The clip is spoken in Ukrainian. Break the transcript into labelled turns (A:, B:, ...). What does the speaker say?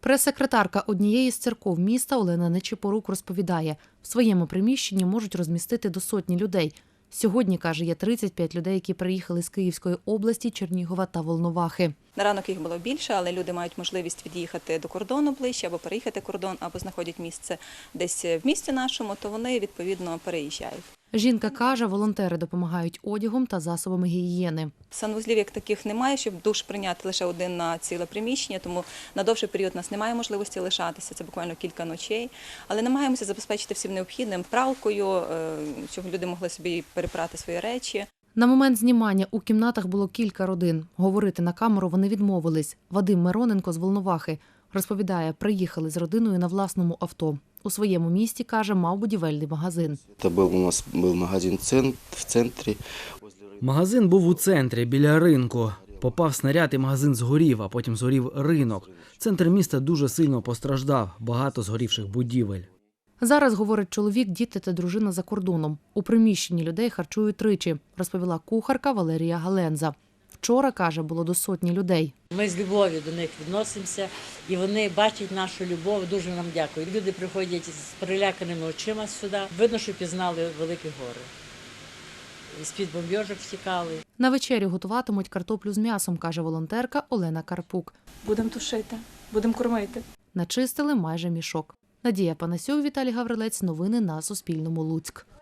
A: Прес-секретарка однієї з церков міста Олена Нечипорук розповідає, в своєму приміщенні можуть розмістити до 100 людей. Сьогодні, каже, є 35 людей, які приїхали з Київської області, Чернігова та Волновахи.
B: На ранок їх було більше, але люди мають можливість від'їхати до кордону ближче, або переїхати кордон, або знаходять місце десь в місті нашому, то вони, відповідно, переїжджають.
A: Жінка каже, волонтери допомагають одягом та засобами гігієни.
B: Санвузлів як таких немає, щоб душ прийняти лише один на ціле приміщення, тому на довший період у нас немає можливості лишатися, це буквально кілька ночей. Але намагаємося забезпечити всім необхідним пралкою, щоб люди могли собі перепрати свої речі.
A: На момент знімання у кімнатах було кілька родин. Говорити на камеру вони відмовились. Вадим Мироненко з Волновахи розповідає, приїхали з родиною на власному авто. У своєму місті, каже, мав будівельний магазин.
C: Це у нас був магазин в центрі.
D: Магазин був у центрі, біля ринку. Попав снаряд і магазин згорів, а потім згорів ринок. Центр міста дуже сильно постраждав, багато згорівших будівель.
A: Зараз, говорить чоловік, діти та дружина за кордоном. У приміщенні людей харчують тричі, розповіла кухарка Валерія Галенза. Вчора, каже, було до 100 людей.
E: Ми з любов'ю до них відносимося, і вони бачать нашу любов, дуже нам дякують. Люди приходять з переляканими очима сюди. Видно, що пізнали великі гори. З-під бомбьожок втікали.
A: На вечерю готуватимуть картоплю з м'ясом, каже волонтерка Олена Карпук.
F: Будемо тушити, будемо кормити.
A: Начистили майже мішок. Надія Панасюк, Віталій Гаврилець. Новини на Суспільному. Луцьк.